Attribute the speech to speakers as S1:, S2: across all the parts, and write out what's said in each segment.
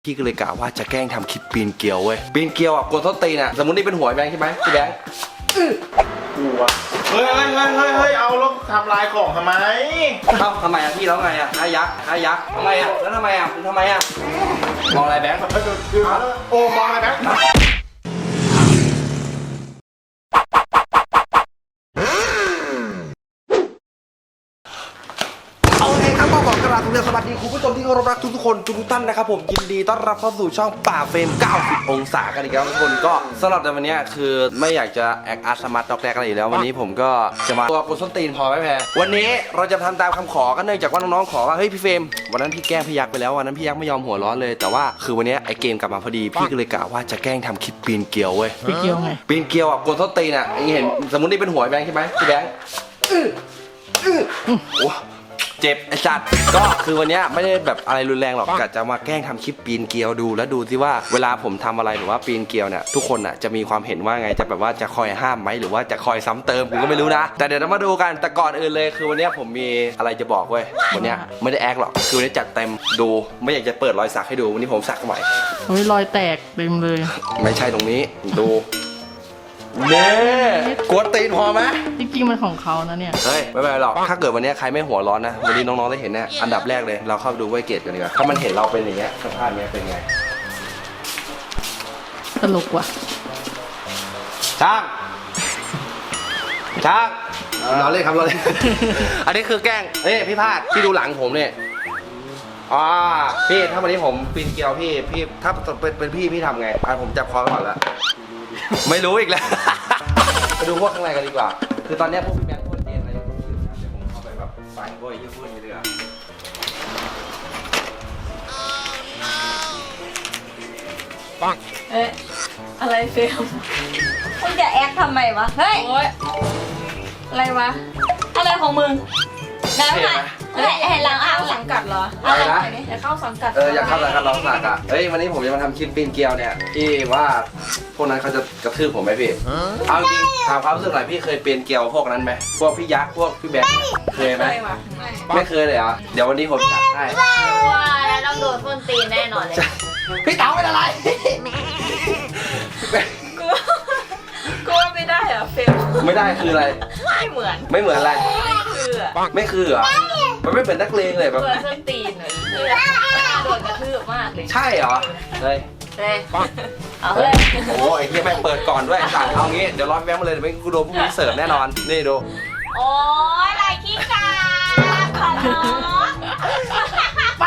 S1: พี่ก็เลยกะว่าจะแกล้งทำคลิปปีนเกลียวเว้ยปีนเกลียวอ่ะกดส้นตีนอ่ะสมมตินี่เป็นหัวแบงค์ใช่ไหมพี่แบงค์
S2: กลัวเฮ้ยเอาแล้วทำลายของทำไม
S1: ทำไมอ่ะพี่แล้วไงอ่ะอายักษ์ทำไมอ่ะแล้วทำไมอ่ะทำไมอ่ะมองอะไรแบงค์
S2: โอ้มองอะไรแบงค์
S1: สวัสดีคุณผู้ชมที่เคารพรักทุกคนทุกท่านนะครับผมยินดีต้อนรับเข้าสู่ช่องป่าเฟรม90องศากันอีกแล้วทุกคนก็สำหรับในวันนี้คือไม่อยากจะแอคอาร์ตสมาร์ทดอกแรกอะไรอยู่แล้ววันนี้ผมก็จะมาตัวกดส้นตีนพอไหมแพรวันนี้เราจะทำตามคำขอกันเนื่องจากว่าน้องๆขอว่าเฮ้ยพี่เฟรมวันนั้นพี่แกล้งพี่ยักษ์ไปแล้ววันนั้นพี่ยักษ์ไม่ยอมหัวร้อนเลยแต่ว่าคือวันนี้ไอเกมกลับมาพอดีพี่ก็เลยกะว่าจะแกล้งทำคลิปปีนเกลียวเว้ย
S3: ปีนเกลียวไง
S1: ปีนเกลียวอ่ะกดส้นตีนอ่ะเห็นสมมตินี่เป็นหัวแบงค์ใช่ไหมพี่แบงค์โอ้เจ็บไอ้สัตว์ก็คือวันนี้ไม่ได้แบบอะไรรุนแรงหรอกกะจะมาแกล้งทำคลิปปีนเกลียวดูแล้วดูสิว่าเวลาผมทำอะไรหรือว่าปีนเกลียวเนี่ยทุกคนอ่ะจะมีความเห็นว่าไงจะแบบว่าจะคอยห้ามไหมหรือว่าจะคอยซ้ำเติมผมก็ไม่รู้นะแต่เดี๋ยวเรามาดูกันแต่ก่อนอื่นเลยคือวันนี้ผมมีอะไรจะบอกเว้ยวันนี้ไม่ได้แอคหรอกคือวันนี้จัดเต็มดูไม่อยากจะเปิดรอยสักให้ดูวันนี้ผมสักใหม่
S3: รอยแตกเต็มเลย
S1: ไม่ใช่ตรงนี้ดูเน่กวนตีนพอไหม
S3: จริงๆมันของเขานะเนี่ย
S1: เฮ้ยไม่เป็นไรหรอกถ้าเกิดวันนี้ใครไม่หัวร้อนนะวันนี้น้องๆได้เห็นเนี่ยอันดับแรกเลยเราเข้าดูไวเกตกันดีกว่าถ้ามันเห็นเราเป็นอย่างเงี้ยสภาพเนี้ยเป็นไง
S3: ตลกว่ะ
S1: ช่างเราเล่นครับเราเล่น อันนี้คือแกล้งพี่พาดพี่ดูหลังผมเนี่ยพี่ถ้าวันนี้ผมปีนเกลียวพี่ถ้าเป็นพี่ทำไงผมจับคอก่อนละไม่รู้อีกแล้วไปดูพวกข้างในกันดีกว่าคือตอนนี้พวกพี่แบงค์พวกเตียนอะไรพวกนี้เดี๋ยวผมเข้าไปแบบไฟพวกไอ้พวกนี้เลย
S4: ปังอะไรเฟลมึงจะแอคทำไมวะเฮ้ยอะไรวะอะไรของมึงน้ำค่ะให้เราเข้าสังกัดเหรอ
S1: อะไรนะ
S4: อยากเข้าสังกัด
S1: อยากเข้าสังกัดร้องสักอ่ะวันนี้ผมจะมาทำคลิปปีนเกลียวเนี่ยที่ว่าพวกนั้นเขาจะกระทืบผมไหมพี่เอาจริงถามความรู้สึกหน่อยพี่เคยปีนเกลียวพวกนั้นไหมพวกพี่ยักษ์พวกพี่แบงค์เคยไหมไม่เคยเลยเหรอเดี๋ยววันนี้ผมจัดให้
S4: ว่าแล้วต้องโดนส้นตีนแน่นอนเลย
S1: พี่เต๋าเป็นอะไร
S4: กูว่าไม่ได้เหรอเฟล
S1: ไม่ได้คืออะไร
S4: ไม่เหมือน
S1: อะไรไม่คือเหรอมันไม่เป็นนักเลงเลยแบบ
S4: เพื่อส้นตีนเลยโดนกระทืบมากเลย
S1: ใช่เหรอเลย
S4: เอาเลย
S1: โอ้ยเฮียแม่งเปิดก่อนด้วยสั่งเอางี้เดี๋ยวรอแบงค์มาเลยเดี๋ยวไม่กูโดนพวกนี้เสิร์ฟแน่นอนนี่ดู
S4: โอ้ยไรขี้กาขอร้อง
S1: ไป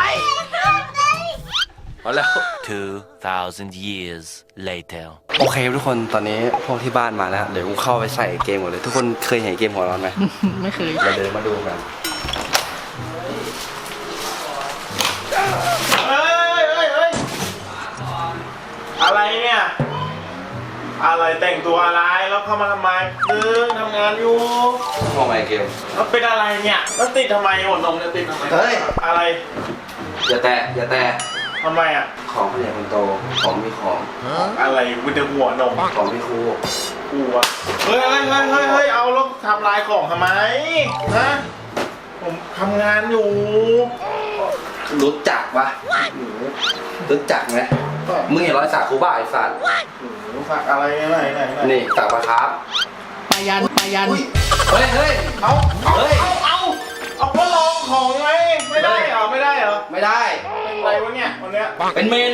S1: เอาแล้ว
S5: 2,000 years later
S1: โอเคทุกคนตอนนี้พวกที่บ้านมาแล้วเดี๋ยวกูเข้าไปใส่เกมก่อนเลยทุกคนเคยเห็นเกมหัวร้อนไหม
S3: ไม่เคย
S1: เราเดินมาดูกัน
S2: อะไรเนี่ยอะไรแต่งตัวอะไรแล้วเข้ามาทำไมทำงานอยู่
S1: มองไปเกม
S2: แล้วเป็นอะไรเนี่ยแล้วติดทำไมหัวนมเนี่ยติดทำไม
S1: เฮ้ย
S2: อะไร
S1: อย่าแตะ
S2: ทำไมอ่ะ
S1: ของผู้ใหญ่คนโตของมีของ
S2: อะไรกูจะหัวนม
S1: ของพี่ครู
S2: กูอะเฮ้ยเอาแล้วทำลายของทำไมฮะผมทำงานอยู่
S1: รู้จักปะรู้จักไหมมึงเห็นรอยสักครูบ้าไอ้สัตว์
S2: สักอะไรไหน
S1: นี่สักปะครับ
S3: ปายัน
S1: เฮ้ย
S2: เอาก็ลองของไงไม่ได้เหรอไม่ได้เป็นอะไรวะเนี่ยวันเนี้ย
S1: เป็นเมน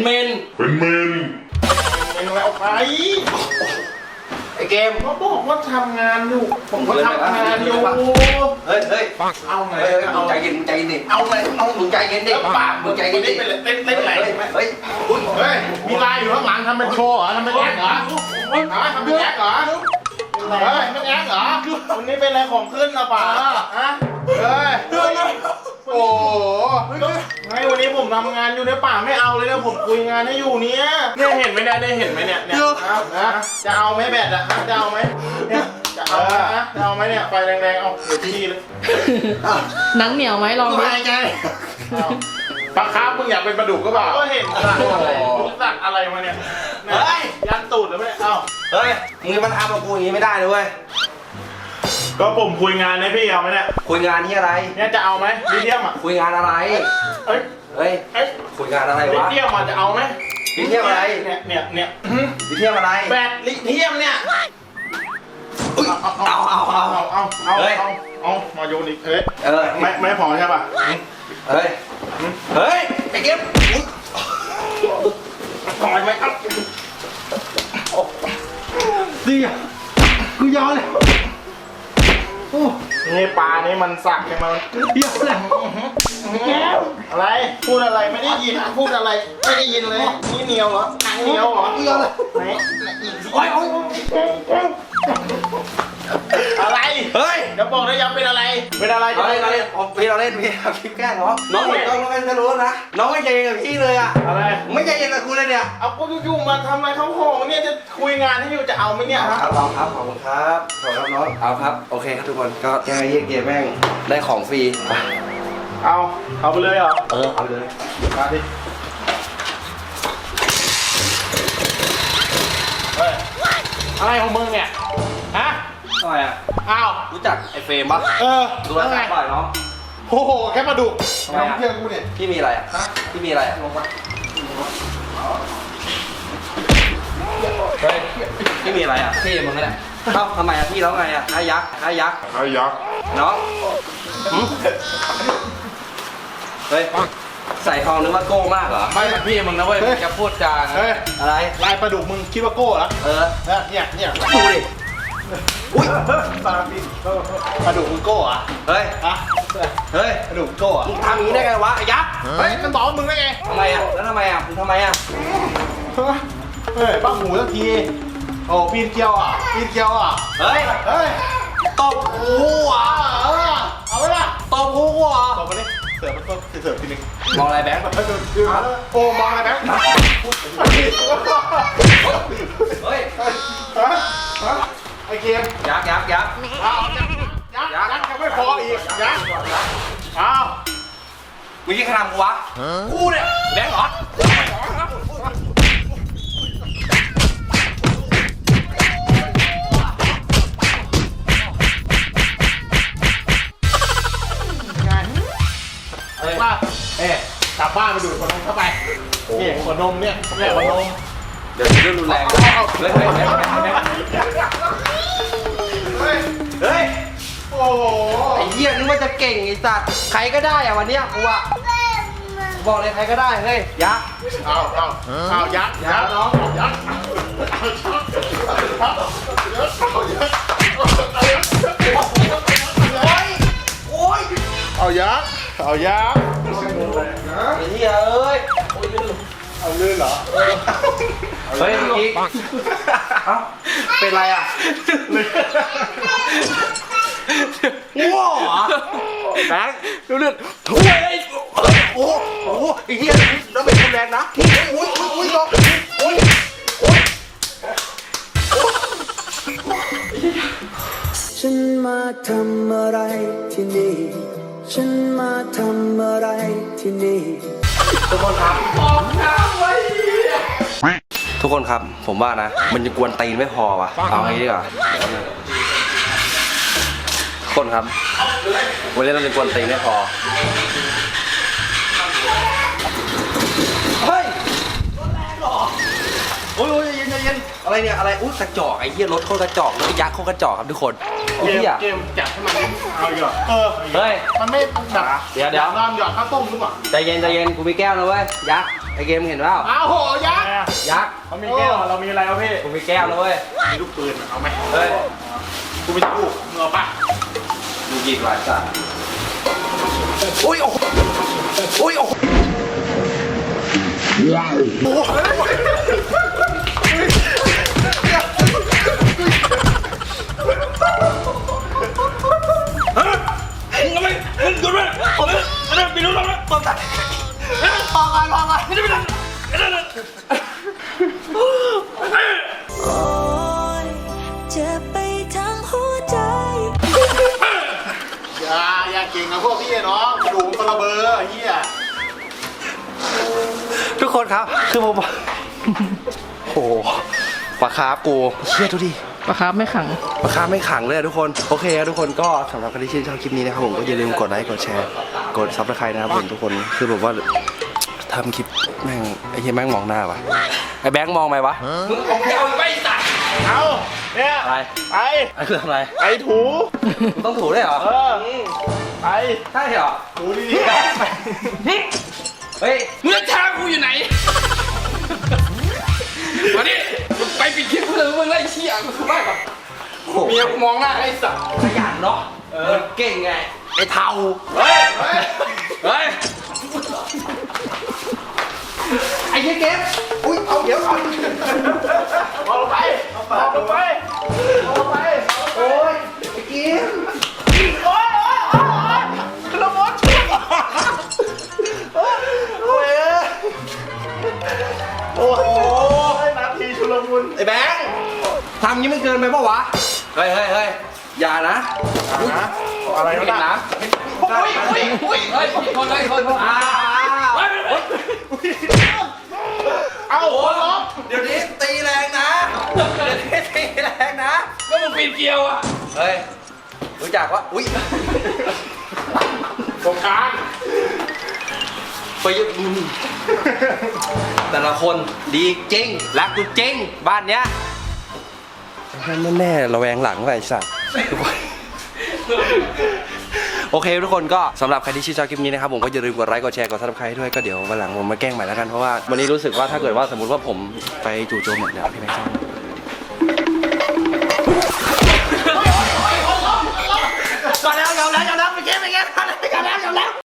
S2: อะไรออกไป
S1: ไอเกม
S2: เขาบอกว่าทำงานอยู่ผมก็ทำงานอยู่
S1: เฮ้ย
S2: เอาไง
S1: มึงใจเย็นดิ
S2: เอา
S1: มึงใจเย็นดิมึงใจเย็นดิ
S2: เต้นไหนเฮ้ยมีลายอยู่ข้างหลังทำเป็นโชว์เหรอทำเป็นแอคเหรอทำเป็นแอคเหรอเป็นแอคเหรอวันนี้เป็นอะไรของขึ้นนะป่าฮะโอ้ไงวันนี้ผมทำงานอยู่ในป่าไม่เอาเลยนะผมคุยงานให้อยู่เนี่ยเห็นไหมเนี่ยได้เห็นไหมเนี่ยจะเอาไหมแบตอะจะเอาไหมจะเอาไหมเนี่ยไฟแรงๆเอาเดี๋ยวที่เลย
S3: หนังเหนียวไหมลองดู
S2: ไงปลาคาร์ฟมึงอยากเป็นปลาดุกก็เปล่าก็เห็นสักอะไรมาเนี่ยยันตูดหรือไม่
S1: เฮ้ยมึงมาทำกับกูอย่างนี้ไม่ได้เลยเว้ย
S2: ก็ผมคุยงานให้พี่เอาไหมเนี่ย
S1: คุยงานที่อะไร
S2: เนี่ยจะเอาไหมลิเทียมอ่ะ
S1: คุยงานอะไรเฮ้ย
S2: เฮ้ย
S1: คุยงานอะไร
S2: ลิ
S1: วะ
S2: เทียมมันจะเอาไหม
S1: ลิเทียมอะไร
S2: เนี่ย
S1: ลิเทียมอะไร
S2: แบตลิเทียมเนี่ย
S1: เอา
S2: เอามาโยนอีกเฮ้ย
S1: เออ
S2: ไม่พอใช่ป่ะ
S1: เฮ้ยเฮ้ยไอ้เก็บ
S2: ปล่อยไหมครับดีอ่ะกูยอมเลยนี่ปลานี่มันสักใช่ไหมมันเยอะเลยอะไรพูดอะไรไม่ได้ยินพูดอะไรไม่ได้ยินเลยนี่เหนียวเหรอหนังเหนียวเหรอเยอะเลยไหนอีกอะไร
S1: เฮ้ย
S2: เดี๋ยวบอกนะยังเป็นอะไรเป็นอะไร
S1: เราเล่นพี่เราเล่นพี่เอาคลิปแกล้งเหรอน้องเห็นน้องแล้วจะรู้นะน้องไม่ใจเย็นกับพี่เลยอ่ะ
S2: อะไร
S1: ไม่ใจเย็นกับกูเลยเนี่ย
S2: เอากูอยู่ๆมาทำอะไรเขาของเนี่ยจะคุยงานให้อยู่จะเอาไหมเนี่ย
S1: ครับลองครับขอบคุณครับขอบคุณครับน้องเอาครับโอเคครับทุกคนก็ยังไงเยี่ยเกมแม่งได้ของฟรี
S2: เอาไปเลยเหรอ
S1: เอาเลย
S2: มาดิเฮ้ยอะไรของมึงเนี่ยฮะ
S1: ทำไมอ่ะ
S2: อ้าว
S1: รู้จักไอ้เฟรมปะ ดูแล
S2: ไง
S1: บ่อยน้อง
S2: โอ้โหแค่มาดู
S1: ทำไมอ่ะ
S2: เพื่อนกูเนี่ย
S1: พี่มีอะไรอ่ะพี่มีอะไรอ่ะลงมาเฮ้ยพี่มีอะไรอ่ะพี่มึงนั่นแหละเอ้าทำไมอ่ะพี่แล้วไงอ่ะค่ายักษ์น้องหึเฮ้ยใส่ทองนึกว่าโก้มากเหรอ
S2: ไม่พี่มึงนะเว้ยจะพูดจา
S1: อะไร
S2: ลายปลาดุกมึงคิดว่าโก้เหรอ เนี่ย
S1: ดูดิอุ้ย
S2: ปลาดุกมึงโก้เหรอะ
S1: เฮ้ย
S2: ฮะ
S1: เฮ้ย
S2: ปลาดุกมึงโก้เหรอะ
S1: มึงทำอย่างนี้ได้ไงวะไอ้ยักษ์
S2: เฮ้ยมันบอกว่ามึงได้ไง
S1: ทำไมอ่ะแล้วทำไมอ่ะมึงทำไมอ่ะ
S2: เฮ้ยบ้าหมูสักทีโอ้ปีนเกลียวอ่ะ
S1: เฮ้ย
S2: เฮ้ย
S1: ตบกูอ่ะ
S2: เอาไปละ
S1: ตบกูอ่ะ
S2: ตบไปดิเสิร์ฟมันก็เสิร์ฟทีนึง
S1: มองอะไรแบงค์
S2: โอ้มองอะไรแบงค์
S1: เฮ้ย
S2: ไอเกม
S1: ยักษ์
S2: ยักษ์ยังไม่พออีกยักษ์อ้าว
S1: มึงยี่ขนาดกูวะกูเนี่ยแบงค์เหรอ
S2: ว่ากลับบ้านไปดูดขวดนมเข้าไปนี่ขวดนมเนี่ยขวดนม
S1: เดี๋ยวเรื่องรุนแรงเฮ้ย
S2: โอ้โห
S1: ไอ้เหี้ยนึกว่าจะเก่งไอ้สัตว์ใครก็ได้อะวันเนี้ยกูอะบอกเลยใครก็ได้เฮ้ยยักษ์
S2: เอายักษ์น้องยักษ์
S1: โอ้ย
S2: เอายักษ์
S1: ไอ้เหี้ยเอ้ย
S2: เอาลื่นเหรอ
S1: เฮ้ยอีกเอ้าเป็นไรอะว้าวแบงค์เลือดถ้วยไอ้โอ้โหไอ้เหี้ยน้ำเป็นรุนแรงนะอุ้ยอุ้ย
S6: ฉันมาทำอะไรที่นี่ ฉันมาทำอะไรที่นี่
S1: ทุกคนครับทุกคนครับผมว่านะมันจะกวนตีนไม่พอว่ะเอาไงดีกว่าทุกคนครับวันนี้เราจะกวนตีนไม่พอเฮ้ยรถแรงหรอโอ้ยเย็นอะไรเนี่ยอะไรอุ้ยกระจอกไอ้เหี้ยรถโคตรกระจอกรถยักษ์โคตรกระจอกครับทุกคนไอ้เหี้ย
S2: เกมจัดให้มันเอาอีกเหรอ
S1: เฮ้ย
S2: มันไม่แบบ
S1: เดี๋ยว
S2: น้ำหยอดข้าวต้มหรือเปล่า
S1: ใจเย็นกูมีแก้วนะเว้ยยักษ์ไอ้เกมเห็นเปล่า
S2: อ้าวโหยักษ์
S1: ยักษ์
S2: เขามีแก้วเรามีอะไรวะพี่
S1: กูมีแก้วนะเว้ย
S2: มีลูกปืนเอาไหม
S1: เฮ้ย
S2: กูมีลูกมึงเอาป่ะ
S1: ดูหยิบหลายสัตว์อุ้ยโอ้โหอุ้ยโอ้โห
S6: โอ้ยเจ็บไปทั้งหัวใจ
S2: อย่าเก่งกับพวกพี่เนาะดูมันระเบ้อเฮีย
S1: ทุกคนครับคือผมโอ้โหปลาคาร์ฟกูเชี่ยดูดิ
S3: ปลาคาร์ฟไม่ขัง
S1: ปลาคาร์ฟไม่ขังเลยอะทุกคนโอเคครับทุกคนก็สำหรับใครที่ชื่นชอบคลิปนี้นะครับผมก็อย่าลืมกดไลค์กดแชร์กดซับสไครต์นะครับผมทุกคนคือแบบว่าทำคลิปแม่งไอ้เหี้ยแม่งมองหน้าปะไอ้แบงค์มองไหมวะมึงเอาไปตัด
S2: เอาเนี่ย
S1: อะไร
S2: ไป
S1: ไอ้คือทำอะไร
S2: ไปถู
S1: มึงต้องถูได้วยเหรอ
S2: ไป
S1: ใช่เหรอ
S2: ถูดีๆไป
S1: เฮ้ย
S7: มึงจะท้ากูอยู่ไหน มาดิไปปิดคลิปกูเลยมึงไล่เชี่ยกูคือบ้าปะเมียกูมองหน้าไอ้สัตว์
S1: ขยันเนาะมันเก่งไงไอ้เทา
S2: เฮ้ยเฮ้ย
S7: เฮ้ย
S1: ไอ้เหี้ยเก็บอุ้ยเอาเดี๋ยวเอา
S2: เอาลงไปเอาลงไปเอาลงไป
S1: โอ้ยไอ้เก็บ
S2: โอ๊ยชุลมุนโอ้ยโอ้โหนาทีชุลมุน
S1: ไอ้แบงค์ทำงี้มันเกินไปปะวะเฮ้ยเฮ้ยเฮ้ยอย่านะ
S2: อะไร
S1: เห็น
S2: นะ
S1: นะ
S2: อุ้ยอุ้ยอุ้ย
S7: เฮ้ยผิดคนเลยคน
S1: อ้าว
S7: เฮ้ย
S2: เอาโอ้โห
S1: เดี๋ยวนี้ตีแรงนะเดี๋ยวนี้ตีแรงนะ
S7: ก็มึงปีนเกลียวอ่ะ
S1: เฮ้ยรู้จักว่าอุ้ย
S2: ตรงกลาง
S1: ไปยึดแต่ละคนดีจริงรักกูจริงบ้านเนี้ยแน่ๆระแวงหลังไปสัตว์โอเคทุกคนก็สำหรับใครที่ชื่นชอบคลิปนี้นะครับผมก็อย่าลืมกดไลค์กดแชร์กดซับสไครต์ด้วยก็เดี๋ยววันหลังผมมาแกล้งใหม่แล้วกันเพราะว่าวันนี้รู้สึกว่าถ้าเกิดว่าสมมติว่าผมไปจู่โจมเนี่ยพี่แม็กซ์ก่อนแล้วยอมแล้วไปเก็บไปเก็บก่อนแล้วยอมแล้ว